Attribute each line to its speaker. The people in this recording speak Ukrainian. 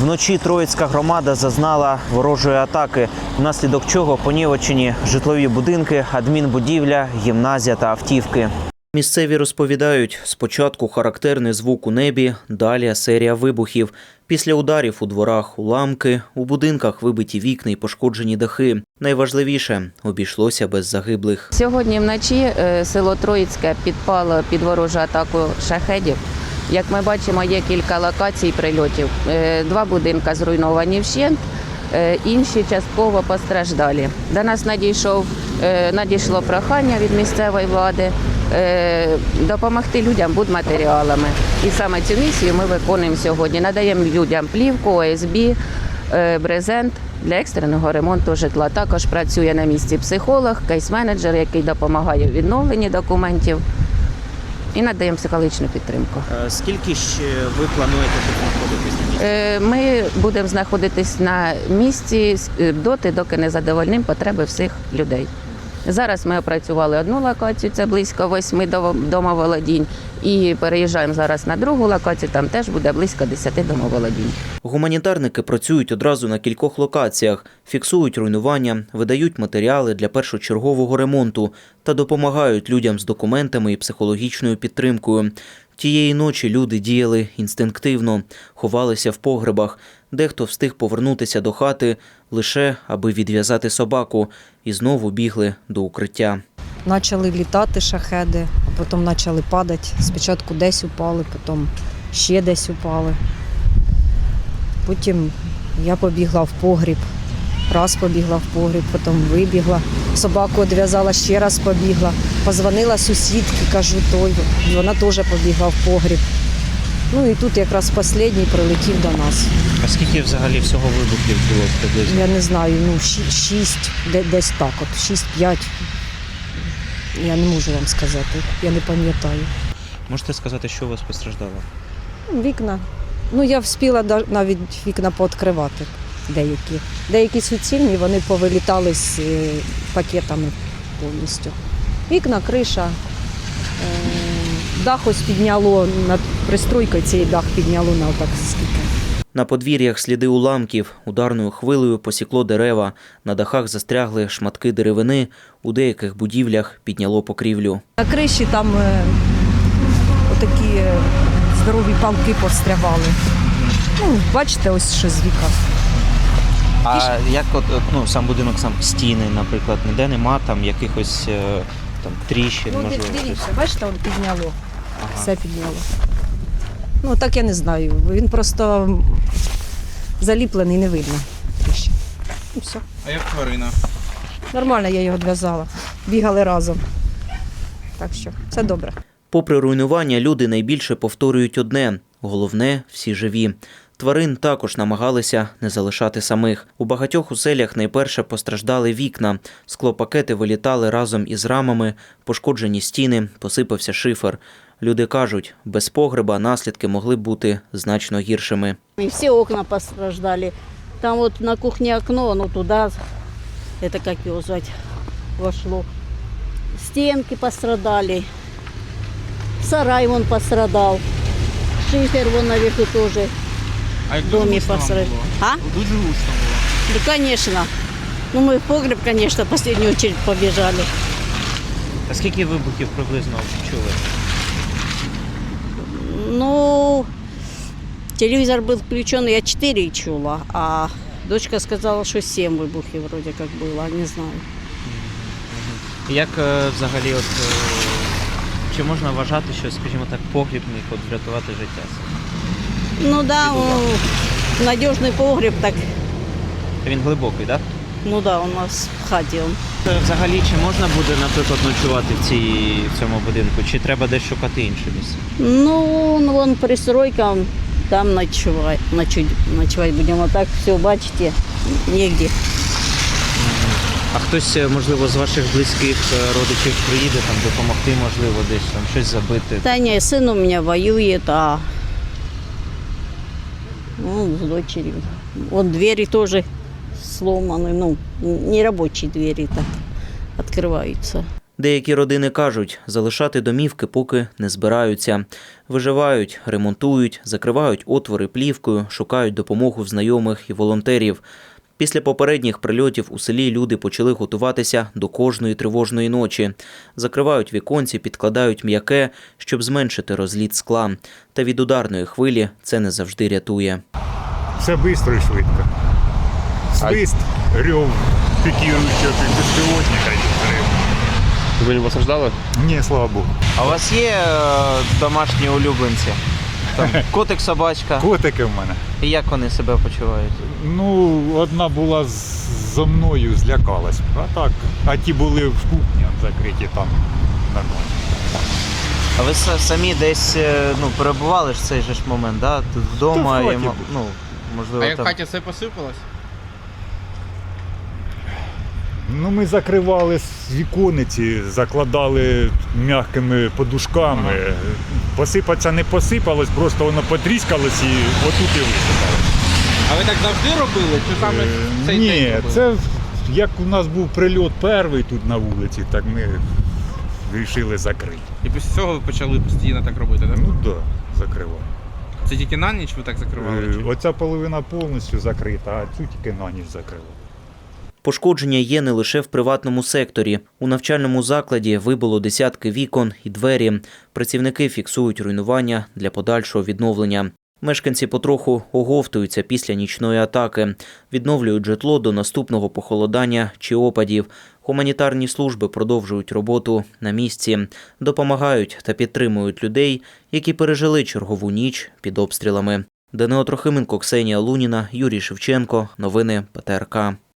Speaker 1: Вночі Троїцька громада зазнала ворожої атаки, внаслідок чого понівечені житлові будинки, адмінбудівля, гімназія та автівки. Місцеві розповідають, спочатку характерний звук у небі, далі серія вибухів. Після ударів у дворах уламки, у будинках вибиті вікна і пошкоджені дахи. Найважливіше – обійшлося без загиблих.
Speaker 2: Сьогодні вночі село Троїцьке підпало під ворожу атаку шахедів. Як ми бачимо, є кілька локацій прильотів. 2 будинки зруйновані вщент, інші частково постраждалі. До нас надійшло прохання від місцевої влади допомогти людям будматеріалами. І саме цю місію ми виконуємо сьогодні. Надаємо людям плівку, ОСБ, брезент для екстреного ремонту житла. Також працює на місці психолог, кейс-менеджер, який допомагає у відновленні документів. І надаємо психологічну підтримку.
Speaker 1: Скільки ще ви плануєте тут знаходитись на місці?
Speaker 2: Ми будемо знаходитись на місці доти, доки не задовольнимо потреби всіх людей. Зараз ми опрацювали одну локацію, це близько 8 домоволодінь, і переїжджаємо зараз на другу локацію, там теж буде близько 10 домоволодінь.
Speaker 1: Гуманітарники працюють одразу на кількох локаціях, фіксують руйнування, видають матеріали для першочергового ремонту та допомагають людям з документами і психологічною підтримкою. Тієї ночі люди діяли інстинктивно, ховалися в погребах. Дехто встиг повернутися до хати лише аби відв'язати собаку і знову бігли до укриття.
Speaker 3: Почали літати шахеди, а потім почали падати. Спочатку десь упали, потім ще десь упали. Потім я побігла в погріб, раз побігла в погріб, потім вибігла. Собаку відв'язала, ще раз побігла. Позвонила сусідці, кажу, вона теж побігла в погріб. Ну і тут якраз останній прилетів до нас.
Speaker 1: А скільки взагалі всього вибухів було приблизно?
Speaker 3: Я не знаю, 6, десь так от, 6-5. Я не можу вам сказати, я не пам'ятаю.
Speaker 1: Можете сказати, що у вас постраждало?
Speaker 3: Вікна. Я встигла навіть вікна пооткривати деякі. Деякі суцільні, вони повилітали з пакетами повністю. Вікна, криша, дах ось підняло, над пристройкою цей дах підняло на отак скільки.
Speaker 1: На подвір'ях сліди уламків, ударною хвилею посікло дерева, на дахах застрягли шматки деревини, у деяких будівлях підняло покрівлю.
Speaker 3: На криші там отакі здорові палки пострявали. Бачите, ось що з віка.
Speaker 1: А як сам будинок, стіни, наприклад, ніде нема там якихось тріщин, можливо?
Speaker 3: Дивіться, бачите, він підняло, все підняло. Так я не знаю, він просто заліплений, не видно тріщин. І все.
Speaker 4: А як тварина?
Speaker 3: Нормально, я його відв'язала, бігали разом. Так що, все добре.
Speaker 1: Попри руйнування, люди найбільше повторюють одне – головне – всі живі. Тварин також намагалися не залишати самих. У багатьох оселях найперше постраждали вікна. Склопакети вилітали разом із рамами, пошкоджені стіни, посипався шифер. Люди кажуть, без погреба наслідки могли б бути значно гіршими.
Speaker 5: И все окна постраждали. Там вот на кухне окно, оно туда, это как его звать, вошло. Стенки пострадали. Сарай вон пострадал. Шифер вон наверху тоже.
Speaker 4: А як
Speaker 5: В домі
Speaker 4: дуже гучно вам
Speaker 5: посеред.
Speaker 4: було?
Speaker 5: А?
Speaker 4: Дуже гучно було.
Speaker 5: Да, конечно. Мы в погреб, конечно, в последнюю очередь побежали.
Speaker 1: А скільки вибухів приблизно чули?
Speaker 5: Телевизор был включен, я 4 чула, а дочка сказала, что 7 выбухов вроде как было, не знаю.
Speaker 1: Як взагалі, чи можна вважати, що, скажімо так, погріб міг врятувати життя?
Speaker 5: Надежный погреб, так,
Speaker 1: Він глибокий, так?
Speaker 5: у нас в хаті.
Speaker 1: Взагалі, чи можна буде, наприклад, ночувати в цьому будинку, чи треба десь шукати інше місце?
Speaker 5: Вон пристройка, там ночевать будем. А так все, бачите, негде.
Speaker 1: А хтось, можливо, з ваших близьких родичів приїде там допомогти, можливо, десь там щось забити?
Speaker 5: Да не, сын у меня воюет, а с дочерью. Вот двери тоже сломаны, не рабочие двери так открываются.
Speaker 1: Деякі родини кажуть, залишати домівки поки не збираються. Виживають, ремонтують, закривають отвори плівкою, шукають допомогу в знайомих і волонтерів. Після попередніх прильотів у селі люди почали готуватися до кожної тривожної ночі. Закривають віконці, підкладають м'яке, щоб зменшити розліт скла. Та від ударної хвилі це не завжди рятує.
Speaker 6: Все швидко і швидко. Свист, рев, пікіруючого безпілотника і взрив.
Speaker 7: Ви не постраждали?
Speaker 6: Ні, слава Богу.
Speaker 8: А у вас є домашні улюбленці? Там котик, собачка.
Speaker 6: Котики в мене.
Speaker 8: І як вони себе почувають?
Speaker 6: Ну, одна була зо мною, злякалась. А ті були в кухні закриті, там нормально.
Speaker 8: А ви самі десь перебували ж в цей же ж момент, да? Тут вдома
Speaker 6: Та в хаті
Speaker 8: і,
Speaker 6: був.
Speaker 8: можливо,
Speaker 4: А як в
Speaker 8: там.
Speaker 4: хаті все посипалось?
Speaker 6: Ну, ми закривали вікониці, закладали м'якими подушками. Посипатися не посипалось, просто воно потріскалось і отут і висипалось.
Speaker 4: А ви так завжди робили? Чи саме в цей день
Speaker 6: Ні,
Speaker 4: робили?
Speaker 6: це як у нас був прильот перший тут на вулиці, так ми вирішили закрити.
Speaker 4: І після цього ви почали постійно так робити, так?
Speaker 6: Ну так, да, закривали.
Speaker 4: Це тільки на ніч ви так закривали? чи?
Speaker 6: Оця половина повністю закрита, а цю тільки на ніч закрили.
Speaker 1: Пошкодження є не лише в приватному секторі. У навчальному закладі вибило десятки вікон і двері. Працівники фіксують руйнування для подальшого відновлення. Мешканці потроху оговтуються після нічної атаки. Відновлюють житло до наступного похолодання чи опадів. Гуманітарні служби продовжують роботу на місці. Допомагають та підтримують людей, які пережили чергову ніч під обстрілами. Данило Трохименко, Ксенія Луніна, Юрій Шевченко. Новини ПТРК.